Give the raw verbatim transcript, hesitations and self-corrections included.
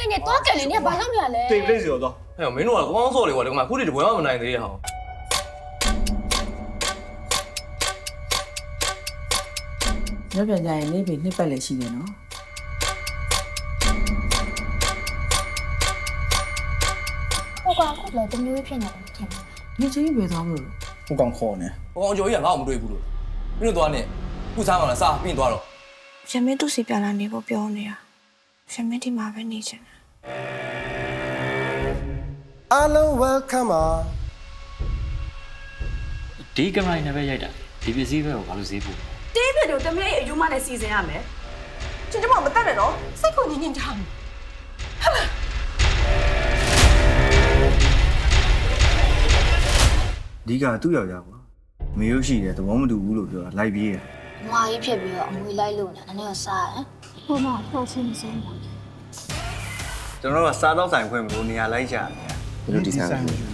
နေတော့ကလေးနေဘာလုပ်နေရလဲ对不对就到。 ဟဲ့မင်းတို့ကကောင်းစော်လေကွာဒီမှာခုတည်းတပွဲမှမနိုင်သေးရဟောညပြန်ကြရင်နေပြီနှစ်ပတ်လည်းရှိတယ်နော်ဟိုကောင်ခုလည်းတမျိုးဖြစ်နေတယ်ထင်တယ်နေချင်းပဲသွားမလို့我刚考呢。 ဟိုကောင်ကျော်ကြီးကငါ့ကိုမတွေ့ဘူးလို့မင်းတို့သွားနေခုစားမှလားစားပြီးသွားတော့ရမင်းသူ့စီပြန်လာနေဖို့ပြောနေတာရမင်းဒီမှာပဲနေချင်တယ် Hello welcome ဒီကင်မရာနဲ့ပဲရိုက်တာဒီပစ္စည်းပဲကိုဘာလို့ဈေးပို့တေးပြတို့တမလေးအယူမနဲ့စီစဉ်ရမယ်ကျင်ကျမမတက်နဲ့နော်စိတ်ကိုညင်ညင်ထားမယ်ဒီကသူ့ယောက်ျားကွာမေရုပ်ရှိတယ်သဘောမတူဘူးလို့ပြောတာလိုက်ပြေးတယ်မွာကြီးဖြစ်ပြီးတော့အမွေလိုက်လို့နေနည်းနည်းစားတယ်ဟိုမှာတော့ချင်းစမ်းပါကျွန်တော်ကစားတော့ဆိုင်ခွင့်မလို့နေရာလိုက်ရှာတယ်ဘယ်လိုဒီဇိုင်းလဲ